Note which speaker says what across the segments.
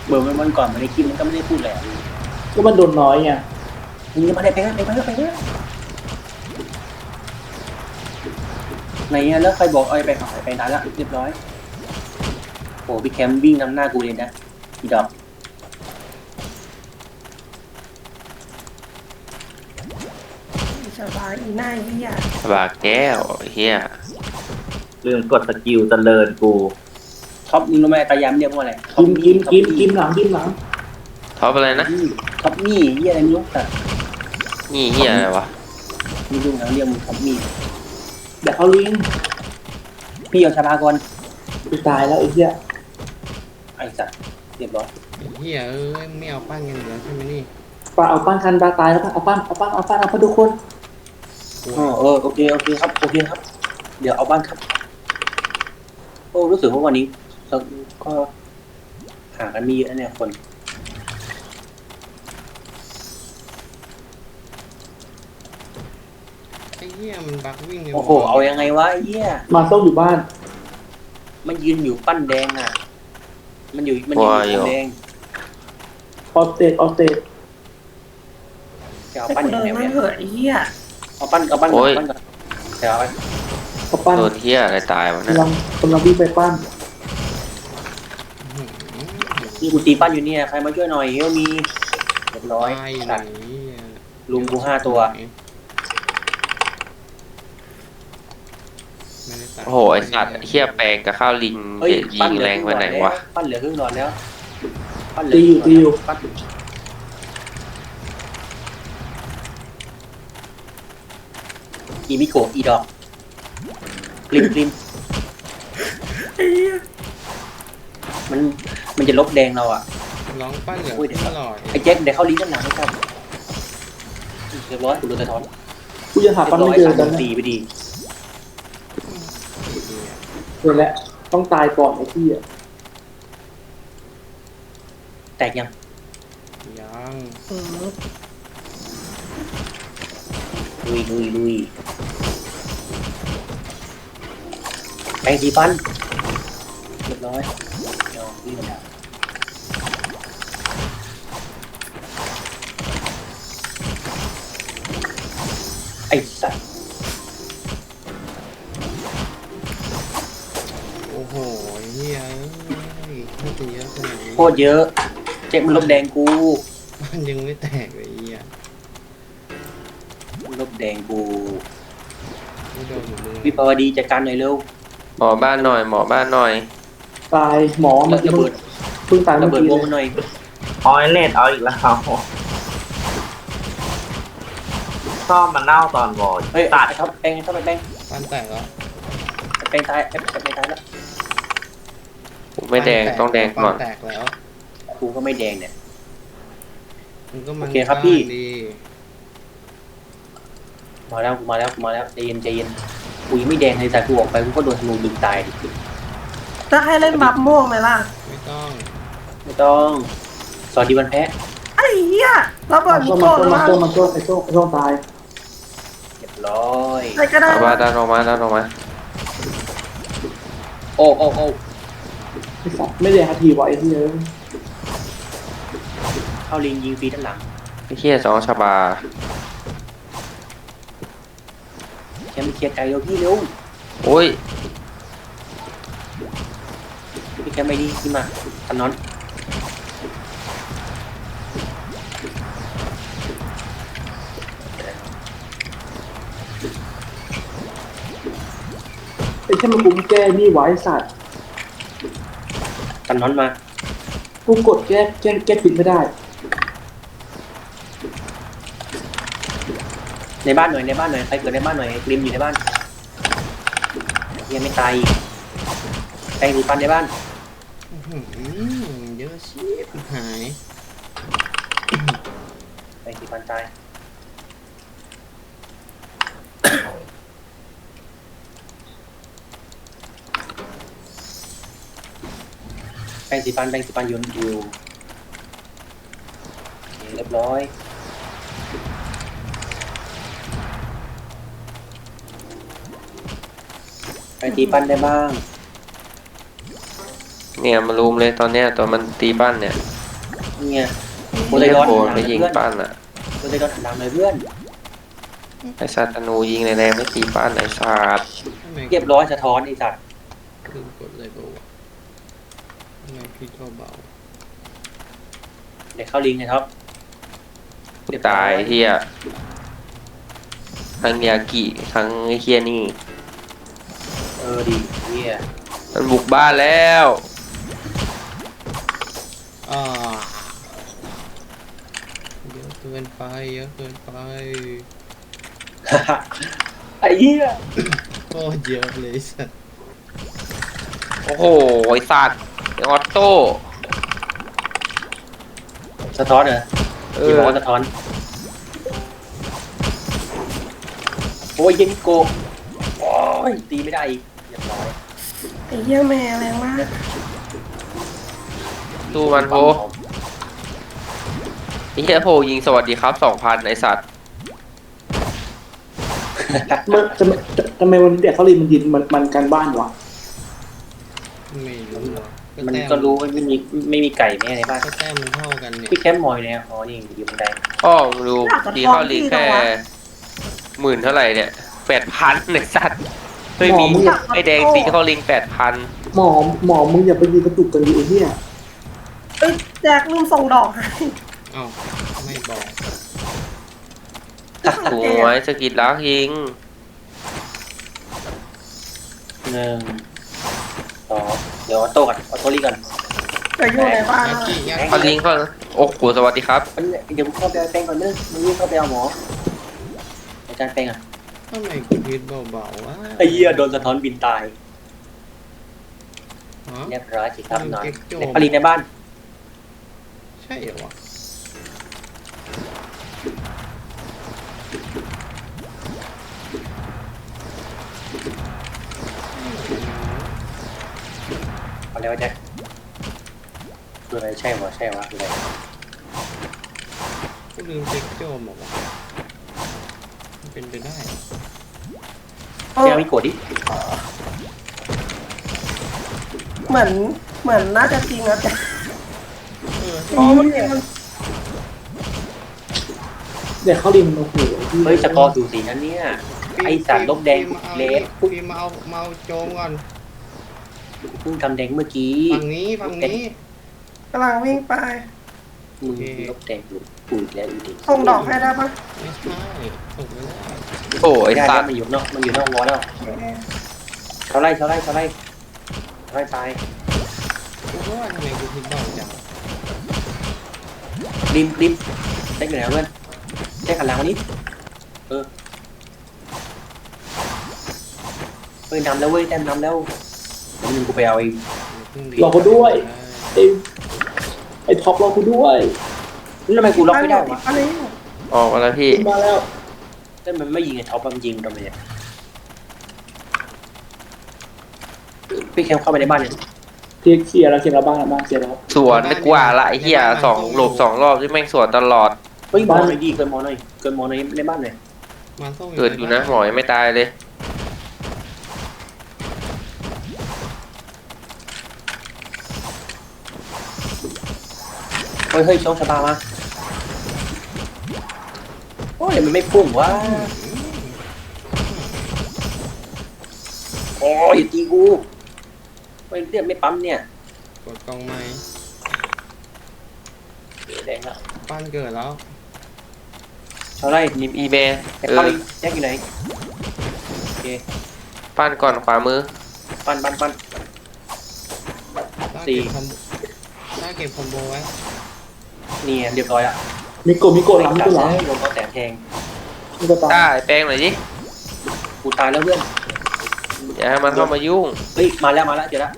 Speaker 1: เบอร์มันก่อนมาในคลิปมันก็ไม่ได้พูดแหละ
Speaker 2: ก็มันโดนน้อยไง
Speaker 1: มึงจะมาได้ไปแล้วไหนเนี่ยแล้วใครบอกเอาไปขายไปนานละเรียบร้อยโอ้พี่แคมวิ่งนำหน้ากูเลยนะอีดอก
Speaker 3: สบายอีหน้าเฮีย
Speaker 4: บาแก้วเฮีย
Speaker 5: ลืมกดสกิลเจริญกู
Speaker 1: ท็อปมึงรู้ไหมตายามเรียกว่าอะไร
Speaker 2: กินหลัง
Speaker 4: ท็อปอะไรนะ
Speaker 1: ท็อปมี่เฮียอะไรไม่รู้แต่
Speaker 4: นี่เฮียอะไรวะ
Speaker 1: ไม่รู้นะเรียกมึงท็อปมี่
Speaker 2: เดี๋ยวเขาลิง
Speaker 1: พี่เอาชาบาก่อน
Speaker 2: กูตายแล้วไอ้เหี้ย
Speaker 1: ไอ้สัตว์เรียบร้อย
Speaker 6: ไอ้เหี้ยเอ้ยไม่เอาปั้นกันเหรอใช่ไหมนี่
Speaker 2: ปลาเอาปั้นคันปลาตายแล้วเอาปั้นทุกคน
Speaker 1: โอเคครับเดี๋ยวเอาบ้านครับโอ้รู้สึกว่าวันนี้ก็ห่างกันมีเยอะเนี่ยคน
Speaker 6: ไอ้เหี้ยมันบักวิ่งเลย
Speaker 1: โอ้โหเอายังไงวะไอ้เหี้ย
Speaker 2: มาส้มอยู่บ้าน
Speaker 1: มันยืนอยู่ปั้นแดงอ่ะมันยืนปั้นแดง
Speaker 2: ออสเตด
Speaker 1: จะเอา
Speaker 3: ให้
Speaker 1: ปั้น
Speaker 3: กู
Speaker 1: ยัง
Speaker 3: เดิ
Speaker 1: ไง
Speaker 3: นไม่
Speaker 1: เนี่ย
Speaker 3: เหอะไอ้เฮีย
Speaker 1: เอาปั้นก่อนเดี๋ยวเอาไป
Speaker 2: เขาปั้น
Speaker 4: โดนเฮียอะไรตายวะเนี่ย
Speaker 2: กำลังวิ่งไปปั้น
Speaker 1: นี่กูตีปั้นอยู่เนี่ยใครมาช่วยหน่อยเฮลมีเรียบร้อย
Speaker 6: ตายอยู่ไหน
Speaker 1: ตัดลุงกู5 ตัว
Speaker 6: ไม่ได้ตัด
Speaker 4: โอ้โหไอสัตว์เฮียแปลงกับข้าวลิง
Speaker 1: เฮ้ย
Speaker 4: ยิงแรงไปไหนวะ
Speaker 1: ปั้นเหลือครึ่งหลอดแล้วปั้นเหลื
Speaker 2: ตีอยู่
Speaker 1: ปั้นอีมิโกะอีดอกริมมันจะลบแดงเราอ่ะ
Speaker 6: ร้องปั้นเหลือ
Speaker 1: โอ้ยเดี๋ยว
Speaker 6: ตลอด
Speaker 1: ไอ้แจ็คเดี๋ยวเข้าลิ้นด้านหลังไม่ครับเรียบร้อยกูโดนสะท้อน
Speaker 2: กูยังหาปั้นไม่เจอกันนะ
Speaker 1: ตีไปดี
Speaker 2: เจอแล้วต้องตายก่อนไอ้ที่อ่ะ
Speaker 1: แตกยัง
Speaker 6: ยัง
Speaker 3: อืม
Speaker 1: ลุยแปรงสีฟันเรียบร้อยเอาวิ่งมาไอ้สัตว์
Speaker 6: โอ้โหไอ้เหี้ยเอ้ยไม่ตีเยอะขนาดนี้
Speaker 1: โคตรเยอะแจ็คมันลบแดงกู
Speaker 6: ปั้นยังไม่แตกเลยไอ้เหี้ย
Speaker 1: มันลบแดงกู
Speaker 6: ไม่โดนอยู่มึง
Speaker 1: วิภาวดีจัดการหน่อยเร็ว
Speaker 4: หมอบ้านหน่อยหมอบ้านหน่อย
Speaker 2: ตายหมอมัน
Speaker 1: ระเบิด
Speaker 2: เพิ่งตาย
Speaker 1: ระ
Speaker 2: เมื่อ
Speaker 1: เบิด
Speaker 2: กี้
Speaker 1: วง
Speaker 2: เล
Speaker 1: มันหน่อย
Speaker 5: ออยเลดเอาอีกแล้วชอบมันเน่าตอนวอล
Speaker 1: เฮ้ย
Speaker 5: ตัด
Speaker 1: ครับแปรงเข้าไปแปรง
Speaker 6: ปั้นแตกแล้ว
Speaker 1: แปรงตายแปรงตายแล้ว
Speaker 4: ผมไม่แดงต้องแดงก่อน
Speaker 6: ปั้แตกแล้ว
Speaker 1: กูก็ไม่แดงเนี่ย
Speaker 6: มันก็มัน
Speaker 1: โอเคครับพี่
Speaker 6: ดี
Speaker 1: มาแล้วใจเย็นกูยังไม่แดงเลยแต่กูออกไปกูก็โดนธนูดึงตายดิ
Speaker 3: จะให้เล่นบัฟม่วงไหมล่ะ
Speaker 6: ไม่ต้อง
Speaker 1: ไม่ต้องสวัสดีวันแพ้
Speaker 3: ไอ้เฮียระเบิดมิโกะหรือว่า
Speaker 2: ไอ้ส้มตาย
Speaker 1: เรียบร้อย
Speaker 3: ใครก็ได้
Speaker 4: เอาบ้านดันออกมาดันออกมา
Speaker 1: โอ้
Speaker 2: ไอ้สัตว์ไม่ได้หาทีไว้ไอ้ที่เอ้ย
Speaker 1: เข้าลิงยิงฟรีด้านหลัง
Speaker 4: ไอ้เฮียสองชาบา
Speaker 1: แชมป์เคลียร์ไกลเร็วพี่เร็ว
Speaker 4: โอ้ย
Speaker 1: พี่แคมป์ไม่ดีขึ้นมาทันนอน
Speaker 2: ไอ้ที่มันกูแก้นี่ไว้สัตว์
Speaker 1: ทันนอนมา
Speaker 2: กูกดแก้ปิดไม่ได้
Speaker 1: ในบ้านหน่อยใครเกิดในบ้านหน่อยริมอยู่ในบ้านยังไม่ตายอีกแปรงสีฟันในบ้าน
Speaker 6: อื้อหือเยอะชิบหาย
Speaker 1: แปรงสีฟันตายแปรงสีฟันอยู่เรียบร้อยไปตีปั้นได้บ้าง
Speaker 4: เนี่ยมารุมเลยตอนเนี้ยตอนมันตีบ้านเนี่ย
Speaker 1: เนี่ยโพ
Speaker 4: โอ้
Speaker 1: ไซดอน
Speaker 4: โห
Speaker 1: หันหลัง
Speaker 4: ไป
Speaker 1: เลย
Speaker 4: ยิง
Speaker 1: เพื่อน
Speaker 4: ปั้นอ่ะ
Speaker 1: โพไซดอนหันหลังเลยเพื่อน
Speaker 4: ไอสัตว์ธนูยิงแรงๆไม่ตีปั้นไอสัตว์
Speaker 6: ทำไม
Speaker 1: เรียบร้อยสะท้อนไอ้สัตว์
Speaker 6: ลืมกดเลยเปล่าวะทำไมพี่ก็เบา
Speaker 1: เดี๋ยวเข้าลิงก์นะครับ
Speaker 4: กูตายเฮียทั้งยากิทั้งไอเฮียนี่
Speaker 1: ดีเนี่ย
Speaker 4: มันบุกบ้านแล้ว
Speaker 6: อ่าเยอะเกินไปเยอะเกินไป
Speaker 1: ไอ้เหี้ย
Speaker 6: โคตรเยอะเลยสัส
Speaker 4: โอ้โหไอสัตว์ไอออโต้
Speaker 1: สะท้อนเหรอ ที่บอกว่าสะท้อน โอ้ยเยมิโกะโอ้ยตีไม่ได้อีกเรียบร้อย
Speaker 3: ไอ้เหี้ยแม่แรงมาก
Speaker 4: ดูมันโพไอเฮียโพยิงสวัสดีครับ2,000ไอสัตว์
Speaker 2: ทำไมวันนี้เด็กเขาลินมันยินมันการบ้านวะ
Speaker 6: ไม่รู้อะ
Speaker 1: มัน
Speaker 6: แต้
Speaker 1: ก็รู้ว่าไม่มีไก่แม่ในบ้าน
Speaker 6: ก็แต้มมันเท่ากันเนี่ย
Speaker 1: พี่แคมป์มอยเนี่ยอ๋อนี่อยู่บนได
Speaker 4: พ่อมึงดูดีเข้าลีกแค่10,000เท่าไหร่เนี่ย8,000ไอสัตว์เฮ้ยมีไอแดงตีเข้าลิง8,000
Speaker 2: หมอมึงอย่าไปยืนกระตุกกันดิไอ้เหี้ย
Speaker 3: เอ้ยแจกลืมส่งดอกให้
Speaker 6: เอ้าไม่บอก
Speaker 4: สวยสกิดลักยิง
Speaker 1: 1 2เดี๋ยวออโต้ก่อนออโต้ลีก่อน
Speaker 3: แต่อยู่ในบ้าน
Speaker 6: ยา
Speaker 3: แล้ว
Speaker 6: กิยา
Speaker 4: เขา
Speaker 6: กิ
Speaker 4: ลิงเขาโอ้โหสวัสดีครับ
Speaker 1: เดี๋ยวกูเข้าไปเอาแป้งก่อนเนอะมึงวิ่งเข้าไปเอาหมออาจารย์แป้งอ่ะ
Speaker 6: ทำไมกูพิดเบาๆวะ
Speaker 1: ไอ้เหี้ยโดนสะท้อนบินตาย
Speaker 6: ฮะ
Speaker 1: เรียบร้อยสิครับนอน
Speaker 6: เก็บโจม
Speaker 1: ในผลิตในบ้าน
Speaker 6: ใช่เหรอวะ
Speaker 1: เอาแล้วแจ็คคืออะไรใช่วะคืออะไร
Speaker 6: กูลืมเช็คโจมบอกว่ามันเป็นไปได้เหรอ
Speaker 3: เอ
Speaker 1: เจ้า
Speaker 3: อ
Speaker 1: มิโกะดิ
Speaker 3: เหมือนน่าจะจริงนะแต่
Speaker 6: เออ
Speaker 3: อ๋อมันจริงมัน
Speaker 2: เด็กเขาลินโอ้โห
Speaker 1: เฮ้ยสกอร์สูสีนั่นเนี่ย ไอ้สารลบแดงเลส
Speaker 6: พี่มาเอาโจมก่อน
Speaker 1: เพิ่งทำแดงเมื่อกี้
Speaker 6: ฝั่งนี้
Speaker 3: กำลังวิ่งไป
Speaker 1: มึงลบแดงอยู่ปุ๋ยแล้วอยู่ดิ
Speaker 3: ส่งดอกให้ได้ปะ
Speaker 6: ไม่ใช่ส่งไม่ได้
Speaker 4: โอ้ย
Speaker 1: ไม่ได้
Speaker 4: สั
Speaker 1: แล้ว
Speaker 4: ตว์
Speaker 1: มันอยู่นอกวอลแล้ว
Speaker 3: โอเค
Speaker 1: เขาไล่ตาย
Speaker 6: กูก็ว่าทำไมกูพิดเบาจัง
Speaker 1: ริมได้อยู่ไหนเพื่อนได้ขันหลังวันนี้เฮ้ยนำแล้วเว้ยแต้มนำแล้วเดี๋ยวนึงกูไปเอาเอง
Speaker 2: รอเขาด้วยไอ้ท็อปรอกูด้วย
Speaker 1: แล้วทำไมกูล็อกไม่ได้วะ
Speaker 3: อันนี้
Speaker 4: ออกมาแล้วพี่
Speaker 2: มาแล้ว
Speaker 1: แต่มันไม่ยิงไอ้ท็อปมันยิงทำไมเนี่ยพี่แคมเข้าไปในบ้านเนี่ย
Speaker 2: เคลียร์แล้วบ้านเคลียร์แล้ว
Speaker 4: สวนไม่กว่าละไอ้เหี้ยหลบ2 รอบที่แม่งสวนตลอด
Speaker 1: เฮ้ยมอหน่อยดีเกินมอหน่อยในบ้านหน่อย
Speaker 6: มาส่ง
Speaker 4: เกิดอยู่นะหมอยังไม่ตายเลย
Speaker 1: เฮ้ยช่องชะบามาโอ้ยมันไม่พุ่งวะโอ้ยตีกูไม่เรียกไม่ปั๊มเนี่ย
Speaker 6: กดกล่องไม้
Speaker 1: แดงแล้ว
Speaker 6: ปั้นเกิดแล้ว
Speaker 1: เท่าไร
Speaker 4: ยิมอีเม
Speaker 1: แต่เข้าอีกแยกอยู่ไหนโอเค
Speaker 4: ปั้นก่อนขวามือ
Speaker 1: ปั้น
Speaker 6: ถ้า
Speaker 1: สี่
Speaker 6: เก็บคอมโบไว้
Speaker 1: นี่เรียบร้อยละ
Speaker 2: มิโกะหลังมิโกะหลัง
Speaker 1: โดนเขาแสงแทง
Speaker 2: มิโกะตาย
Speaker 4: ได้แป้งหน่อยดิ
Speaker 1: กูตายแล้วเพื่อน
Speaker 4: อย่าให้มันเข้ามายุ่ง
Speaker 1: เฮ้ยมาแล้วเจอแล้ว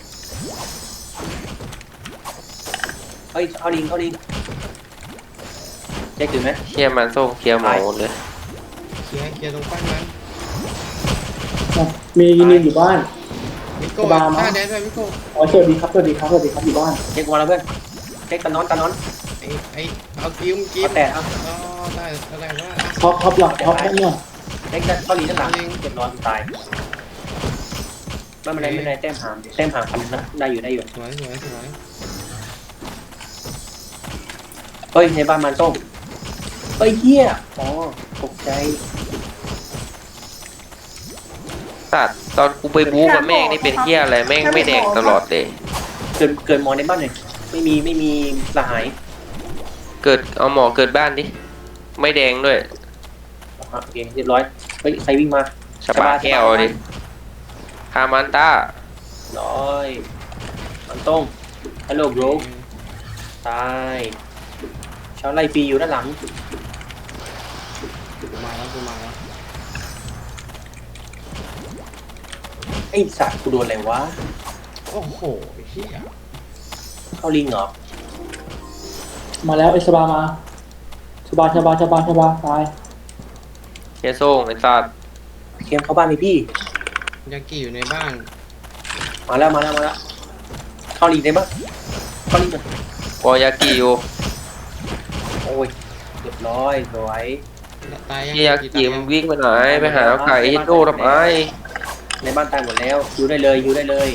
Speaker 1: เฮ้ยเข้าลิงแจ็คถึงไหม
Speaker 4: เคลียร์มันส่งเคลียร์หมอหมดเลย
Speaker 6: เคลียร์ตรงปั้นนั้น
Speaker 2: มียินอยู่บ้าน
Speaker 6: มิโก้
Speaker 2: สบายมาก
Speaker 6: หน้าแดนไปมิโก้
Speaker 2: อ๋อสวัสดีครับอยู่บ้าน
Speaker 1: แจ็คมาแล้วเพื่อนแจ็คตะนอน
Speaker 6: ไอ้เอากิ้ม
Speaker 1: เอาแต่เอา
Speaker 6: อ๋อได้อะไรวะ
Speaker 2: ท็อปหลังท็อปได้เนี่ย
Speaker 1: แจ็คเข้าลิงด้านหลังเรียบร้อยตายไม่เป็นไรแต้มหามพันนะได้อยู่
Speaker 6: สวย
Speaker 1: ฮ้ยในบ้านมันส้มเฮ้ยเหี้ยอ๋อตกใจ
Speaker 4: สัตว์ตอนกูไปบู๊กับแม่งนี่เป็นเหี้ยอะไรแม่งไม่แดงตลอดเลย
Speaker 1: เกินมอในบ้านหน่อยไม่มีสหาย
Speaker 4: เกิดเอาหมอเกิดบ้านดิไม่แดงด้วย
Speaker 1: โอเคเรียบร้อยเฮ้ยใครวิ่งมา
Speaker 4: ชะบาแก้วดิคามันต้า
Speaker 1: ร้อยมันต้งฮัลโหลบรูตายชาวไล่ฟรีอยู่ด้านหลัง
Speaker 6: กูมาแล้วกูมาแล้ว
Speaker 1: ไอ้สัตว์กูโดนอะไรวะ
Speaker 6: โอ้โหเฮีย
Speaker 1: เข้าลิงเหรอ
Speaker 2: มาแล้วไอ้สบามาสบาตาย
Speaker 4: เฮียโซ่งไอ้สัตว์
Speaker 1: เกมเข้าบ้านเลยพี่
Speaker 6: ยากิอยู่ในบ้าน
Speaker 1: มาแล้วเข้าลิงได้ปะเข้าลิงกัน
Speaker 4: วอยากิอยู่
Speaker 1: โอ้ยเรียบร้อยสวย
Speaker 6: ตายยัง
Speaker 4: เฮียยากิมันวิ่งไปไหนไปหาไก่เฮดโดทำไม
Speaker 1: ในบ้านตายหมดแล้วอยู่ได้เลย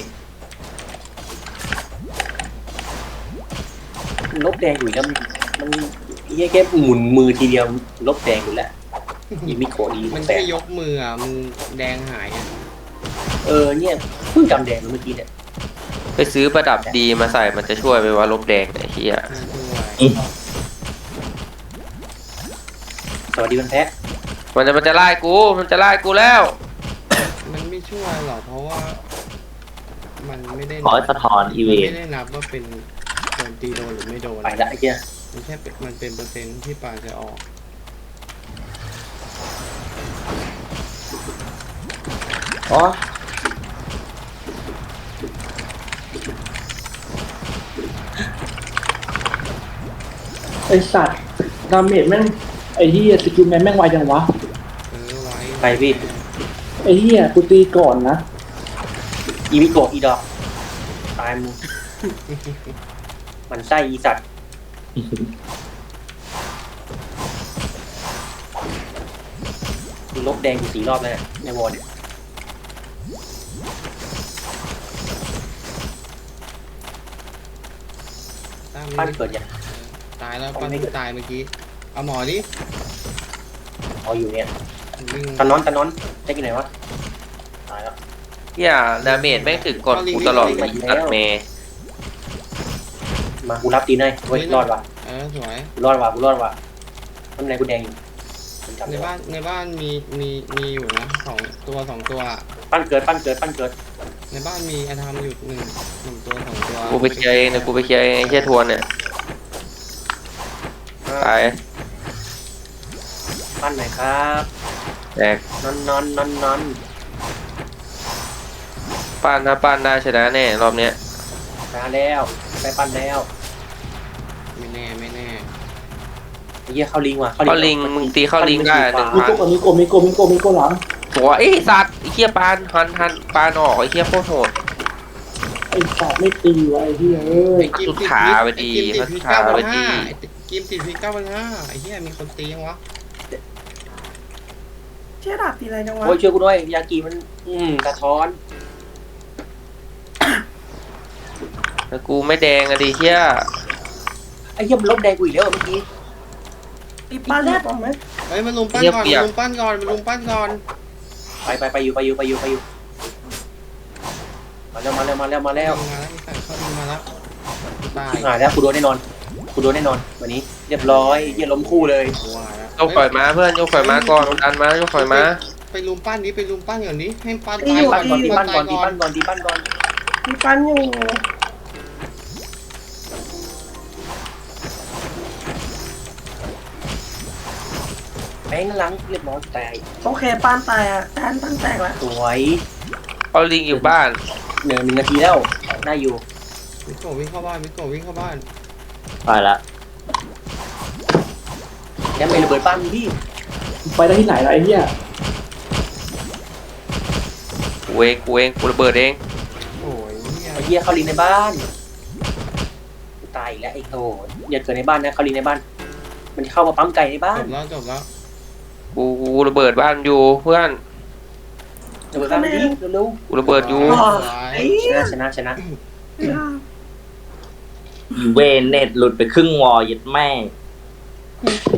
Speaker 1: ลบแดงอยู่แล้วมันเฮียแค่หมุนมือทีเดียวลบแดงอยู่แล้วอีมิโกะดี
Speaker 6: มัน
Speaker 4: Dạ.
Speaker 1: แต่
Speaker 6: แค่ยกมืออ่ะมึงแดงหายอ่ะ
Speaker 1: เนี่ยเพิ่งจำแดงเมื่อกี้เนี่ย
Speaker 4: ไปซื้อประดับดีมาใส่มันจะช่วยไปว่าลบแดงไอ้เฮีย
Speaker 6: ไม่ช่วย
Speaker 1: สวัสดีวันแพ้
Speaker 4: มันจะไล่กูแล้ว
Speaker 6: มันไม่ช่วยหรอกเพราะว่า มันไม่ได้
Speaker 5: ขอสะท้อนอีเว
Speaker 6: มัน
Speaker 5: น
Speaker 6: ไม่ได้นับว่าเป็นโดนตีโดนหรือไม่โดน
Speaker 1: ไปละไอ้เหี้ย
Speaker 6: มันแค่เป็นมันเป็นเปอร์เซ็นต์ที่ปลาจะออก
Speaker 5: อ๋อ
Speaker 2: ไอ้สัตว์ดาเมจแม่งไอ้เหี้ยสกิลแมนแม่งไวจังวะ
Speaker 6: ไว้
Speaker 1: ไปพี่
Speaker 2: ไอ้เหี้ยกูตีก่อนนะ
Speaker 1: อีมิโกะอีดอกตายมึงมันไส้อีสัตว์ลบแดงอยู่4 รอบแล้วเนี่ยในวอลเนี่ย
Speaker 6: ตาม
Speaker 1: ปั้นเกิดยัง
Speaker 6: ตายแล้วปั้นเพิ่งตายเมื่อกี้เอาหมอดิ
Speaker 1: เอาอยู่เนี่ย
Speaker 6: วิ่ง
Speaker 1: ตะนอนได้กี่ไหนวะตายแล้ว
Speaker 4: เฮียดาเมจแม่งถึงกดกูตลอดเลยตัดเมย์
Speaker 1: มากูรับตีนให้เฮ้ยรอดว่ะ
Speaker 6: สวย
Speaker 1: กูรอดว่ะทำไงกูแดงอยู่ผมจำ
Speaker 6: ใน
Speaker 1: ได้
Speaker 6: บ้านมีอยู่นะสองตัว
Speaker 1: ปั้นเกิด
Speaker 6: ในบ้านมีอาธรรมอยู่หนึ่งตัวสองตัว
Speaker 4: กูไปเคลียร์เองนะกูไปเคลียร์เองไอ้เฮียทวนเนี่ยตาย
Speaker 1: ปั้นหน่อยครับ
Speaker 4: แตก
Speaker 1: นอน
Speaker 4: ปั้นถ้าปั้นได้ชนะแน่รอบเนี้ย
Speaker 1: มาแล้วไปปั้นแล้ว
Speaker 6: ไม่แน่
Speaker 1: ไอ้เหี้ยเข้าลิงว่ะ
Speaker 4: เข้าลิงมึงตีเข้าลิงได้1,000
Speaker 2: มิโกะหลัง
Speaker 4: หัวไอ้สัตว์ไอ้เฮียปานหันปานออกไอ้เฮียโคตรโหด
Speaker 2: ไอ้สัตว์ไม่ตีวะไอ้เหี้ยเอ้ย
Speaker 4: สุดขาไปดี
Speaker 6: กิมติด
Speaker 4: ขาไปดี
Speaker 6: กิมติดพี9,500ไอ้เหี้ยมีคนตียังวะ
Speaker 3: เชี่ยดาบตีอะไรจังวะ
Speaker 1: โอ้ยช่วยกูด้วยยากิมันสะท้อน
Speaker 4: แล้วกูไม่แดงอะดิเฮีย
Speaker 1: ไอ้เหี้ยมันลบแดงกูอีกแล้วเมื่อกี้
Speaker 3: ตีป้าแรกออกไหม
Speaker 6: เฮ้ยมันลุมปั้นก่อน
Speaker 1: ไปอยู่มาแล้ว
Speaker 6: มาแล้วเขาดึงมาแล้วตาย
Speaker 1: หายแล้วกูโดนแน่นอนวันนี้เรียบร้อยเหี้ยล้มคู่เลย
Speaker 6: ว่าแล้ว
Speaker 4: ยกข่อยมาเพื่อนยกข่อยมาก่อนดันมายกข่อยมา
Speaker 6: ไปลุมปั้นอย่างนี้ให้ปั้น
Speaker 1: ตีปั้นก่อนตีปั้นก่อน
Speaker 3: มีปั้นอยู่
Speaker 1: แบงค์หลังเรียบร้อยแตก
Speaker 3: โอเคปั้นตายอ่ะแทนปั้นแตกแล้ว
Speaker 1: สวย
Speaker 4: เอาลิงอยู่บ้าน
Speaker 1: 1 นาทีแล้วได้อยู่
Speaker 6: มิโกะวิ่งเข้าบ้าน
Speaker 5: ไปละ
Speaker 1: แกไม่ระเบิดปั้นพี่
Speaker 2: ไปได้ที่ไหนล่ะไอ้เหี้ย
Speaker 4: กูเองกูระเบิดเอง
Speaker 6: โอ้ยเนี่ย
Speaker 1: ไอ้เหี้ยเข้าลิงในบ้านตายอีกแล้วไอ้โหอย่าเกิดในบ้านนะเข้าลิงในบ้าน มันเข้ามาปั๊มไก่ในบ้าน
Speaker 6: จบแล้ว
Speaker 4: กูระเบิดบ้านอยู่เพื่อน
Speaker 1: ระเบิดบ้านดิเร็ว
Speaker 4: กูระเบิดอยู่
Speaker 1: ๆชนะ
Speaker 3: ไม่ได้
Speaker 5: อีเวนเน็ตหลุดไปครึ่งวอลยัดแม่ง
Speaker 3: อืม